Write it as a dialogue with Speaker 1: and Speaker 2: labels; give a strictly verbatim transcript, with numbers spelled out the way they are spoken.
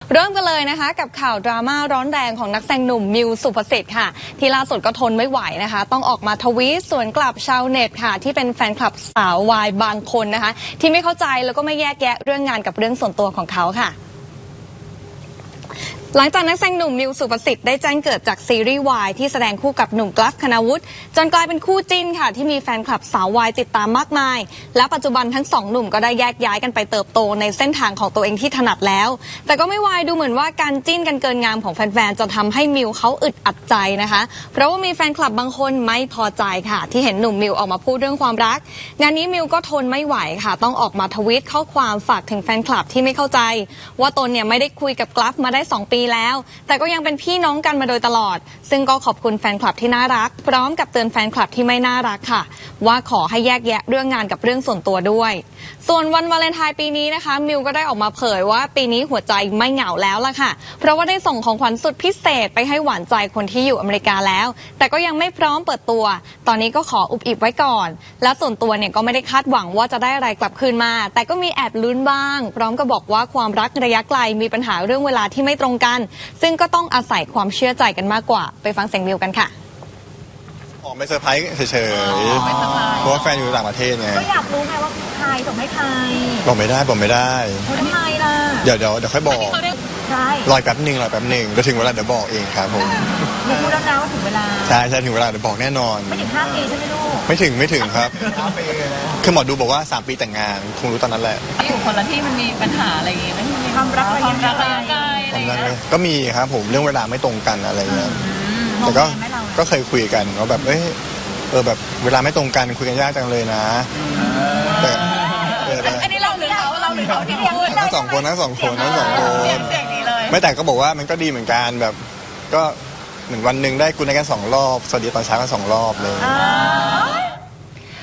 Speaker 1: เริ่มกันเลยนะคะกับข่าวดราม่าร้อนแรงของนักแสดงหนุ่มมิวสุภสิทธิ์ค่ะที่ล่าสุดก็ทนไม่ไหวนะคะต้องออกมาทวีตสวนกลับชาวเน็ตค่ะที่เป็นแฟนคลับสาววายบางคนนะคะที่ไม่เข้าใจแล้วก็ไม่แยกแยะเรื่องงานกับเรื่องส่วนตัวของเขาค่ะหลังจากนักแสดงหนุ่มมิวสุภสิทธิ์ได้แจ้งเกิดจากซีรีส์วายที่แสดงคู่กับหนุ่มกราฟคณาวุฒิจนกลายเป็นคู่จิ้นค่ะที่มีแฟนคลับสาววายติดตามมากมายและปัจจุบันทั้งสองหนุ่มก็ได้แยกย้ายกันไปเติบโตในเส้นทางของตัวเองที่ถนัดแล้วแต่ก็ไม่วายดูเหมือนว่าการจิ้นกันเกินงามของแฟนๆจะทำให้มิวเขาอึดอัดใจนะคะเพราะว่ามีแฟนคลับบางคนไม่พอใจค่ะที่เห็นหนุ่มมิวออกมาพูดเรื่องความรักงานนี้มิวก็ทนไม่ไหวค่ะต้องออกมาทวีตข้อความฝากถึงแฟนคลับที่ไม่เข้าใจว่าตนเนี่ยไม่ได้คุยกับกราฟมาได้สองปีแล้วแต่ก็ยังเป็นพี่น้องกันมาโดยตลอดซึ่งก็ขอบคุณแฟนคลับที่น่ารักพร้อมกับเตือนแฟนคลับที่ไม่น่ารักค่ะว่าขอให้แยกแยะเรื่องงานกับเรื่องส่วนตัวด้วยส่วนวันวาเลนไทน์ปีนี้นะคะมิวก็ได้ออกมาเผยว่าปีนี้หัวใจไม่เหงาแล้วล่ะค่ะเพราะว่าได้ส่งของขวัญสุดพิเศษไปให้หวานใจคนที่อยู่อเมริกาแล้วแต่ก็ยังไม่พร้อมเปิดตัวตอนนี้ก็ขออุบอิบไว้ก่อนและส่วนตัวเนี่ยก็ไม่ได้คาดหวังว่าจะได้อะไรกลับคืนมาแต่ก็มีแอบลุ้นบ้างพร้อมกับบอกว่าความรักระยะไกลมีปัญหาเรื่องเวลาที่ไม่ตรงกันซึ่งก็ต้องอาศัยความเชื่อใจกันมากกว่าไปฟังเสียงมิวกันค่ะ
Speaker 2: ออกไปเซอร์ไพรส์เฉยๆเพราะว่าแฟนอยู่ต่างประเทศไง
Speaker 3: ก็อยากรู้ไงว่าใครส่งให้ใคร
Speaker 2: บอกไม่ได้บอกไม่ได้
Speaker 3: ทำไมล่ะ
Speaker 2: เดี๋ยวเดี๋ยวเดี๋ยวค่อยบอก
Speaker 3: ใช่
Speaker 2: รอยแป๊บหนึ่งรอยแป๊บหนึ่งเดี๋ยวถึงเวลาเดี๋ยวบอกเองครับผม
Speaker 3: รู้แล้วนะว่าถึงเวลา
Speaker 2: ใช่ใช่ถึงเวลาเดี๋ยวบอกแน่นอน
Speaker 3: ไม่ถึงห้าปีใช่ไหมลูก
Speaker 2: ไม่ถึงไม่ถึงครับคือหมอดูบอกว่าสามปีแต่งงานคงรู้ตอนนั้นแหละ
Speaker 4: ที่อยู่คนละที่มันมีปัญหาอะไรอย่างงี้ไหม
Speaker 3: ความรักระยะไกล
Speaker 2: ความรักก็มีครับผมเรื่องเวลาไม่ตรงกันอะไรเงี้ยแต่ก็ก็เคยคุยกันว่าแบบเอ้ยเออแบบเวลาไม่ตรงกันคุยกันยากจังเลยนะแต่
Speaker 4: อันนี้เราหรือเขาเราหรือเขาที่พูด
Speaker 2: ทั้งสองคนทั้งสองคนทั้งสองคนไม่แต่ก็บอกว่ามันก็ดีเหมือนกันแบบก็เหมือนวันหนึ่งได้คุยกันสองรอบสวัสดีตอนเช้ากันสองรอบเลย